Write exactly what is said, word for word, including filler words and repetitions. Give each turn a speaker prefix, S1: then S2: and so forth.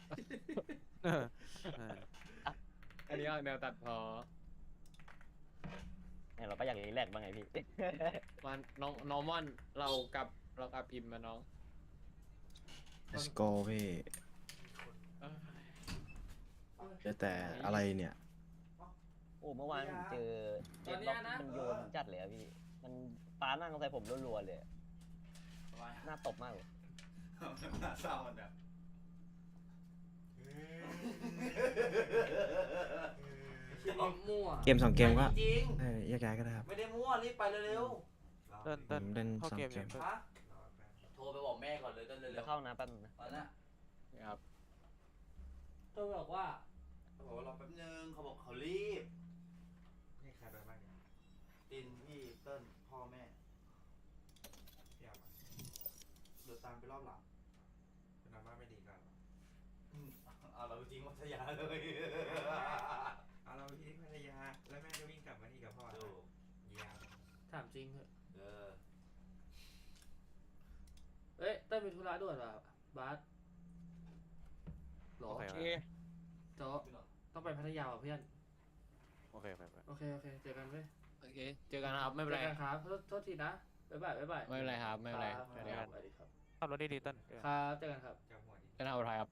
S1: เออเออ
S2: อันนี้เอาแนวตัดพอ
S3: เนี่ยเราก็อยากรีแลกซ์บ้างไงพี่
S2: มันน้องน้องม่อนเรากับเรากับพิมพ์มาน้อง
S4: let's go พี่
S2: เอ้ย
S4: เจอแต่อะไรเนี่ย
S3: โอ้เมื่อวานผมเจอเจ็ดล็อกมันโยนจัดเลยอะพี่ มันปานั่งใส่ผมรัวๆเลยอะหน้าตบมากเลย
S5: หน้าเศร้ามันแบบ
S6: คิดว่ามั่ว
S4: เกมสองเกมก็
S6: จริง
S4: เออแยกย้ายก็ได้ครับ
S6: ไม่ได้มั่วรีบไปเร็ว
S1: เต้น
S4: ผ
S1: เต้น
S4: มเล่น
S1: เข้า
S4: สอง
S1: เกม
S4: เก
S1: เนี่ย
S4: ม
S1: เต้น
S6: ๆฮะโทรไปบอกแม่ก่อนเลยเต้นเร็
S3: เดี๋ยว
S6: ว
S3: เข้านะแป๊บนึงนะ
S6: ๆตอนนั้น
S2: ครับ
S6: เธอบอกว่าเขาบอกว่ารอแป๊บนึงเขาบอกเขารีบ
S7: นี่ใครไปบ้างเนี่ย
S6: ตินพี่เติ้ลพ่อแม่
S7: พี่อามา
S6: เดี๋ยวตามไปรอบหลัง
S7: เป็นอาม่าไม่ดีกันเหรอ
S6: อืมเอาเราจริงวัทยาเลย
S7: เอาเราไปที่พัทยาแล้วแม่ก็วิ่งกลับมานี่กับพ่อ
S6: ดู
S7: เยี่ยม
S8: ถามจริงเถอะ
S6: เออ
S8: เอ้ยเต้ยมีธุระด่วนป่ะบาสหรอ
S1: โอเค
S2: โอเค
S8: โจ๊ะต้องไปพัทยาว่ะเพื่อน
S1: โอเคโอเคโอเค
S8: โอเค โอเค เจอกันเว้ย
S2: โอเคเจอกันนะครับไม่เป็นไร
S8: จอกันครับโทษโทษทีนะ บ๊ายบาย บ๊ายบาย
S2: ไม่เป็นไรครับไม่เป็นไร
S8: ครับ
S2: สวัสดีครับ
S8: สวัสดีครับ
S1: ขับรถดีๆเต้น
S8: ครับ เจอกันครับ
S7: จับหัวดิ
S2: เป็นเอาอะไรครับ